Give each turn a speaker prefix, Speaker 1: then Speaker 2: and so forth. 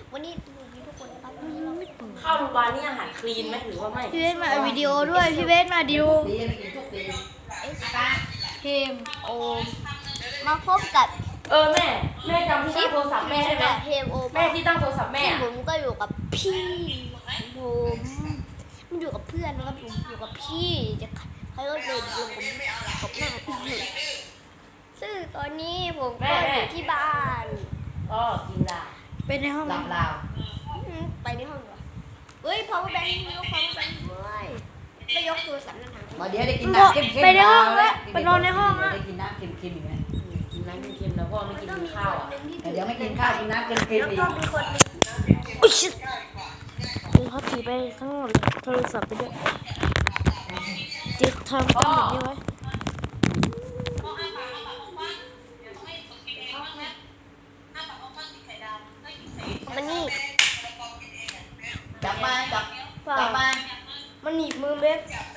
Speaker 1: วันนี้ทุกคนนะครับ
Speaker 2: เข้าโรงพยาบาลนี่อาหารคลีนไหมหรือว่าไม่
Speaker 3: พี่เบสมาวิดีโอด้วยพี่เบสมาดิวเฮมโอม
Speaker 1: มาพบกับ
Speaker 2: แม่จำที่ตั้งโทรศัพท์แม่ได้ไหม
Speaker 1: เฮมโอ
Speaker 2: แม่ที่ตั้งโทรศัพท์แม่
Speaker 1: ผมก็อยู่กับพี่ผมมันอยู่กับเพื่อนนะครับผมอยู่กับพี่จะใครก็เดินลงผมกับหน้าพี่ซึ่งตอนนี้ผมก็อยู่ที่บ้าน
Speaker 2: ก็กินได้
Speaker 3: เป็นในห้อง
Speaker 2: หลับลาว
Speaker 1: ไปในห้องเหรอเฮ้ย power bank ยก power bank ด้วยไม่ยกโทรศัพท์นั่นหาง
Speaker 4: มาเดี๋ยวได้กินน้ำเค็มๆ
Speaker 3: ไปในห้องละไปนอนในห้องละ
Speaker 4: ได้กินน้ำเค็มๆอีกไหม
Speaker 2: กินน้ำเค็มๆแล้วพ่อไม่กินข้าวอ่ะ
Speaker 4: เดี๋ยวไม่กินข้าวกินน้ำเค็มๆอีก
Speaker 1: แล้วก็มีคนหนึ่ง
Speaker 3: อุ๊ยชิดดูเขาถือไปข้างนอกโทรศัพท์ไปด้วยจิตทำตั้งแบบนี้ไว้
Speaker 1: มันนี่
Speaker 4: จับมาจับ
Speaker 1: เปล่า
Speaker 4: จับมา
Speaker 1: มันหนีบมือเบส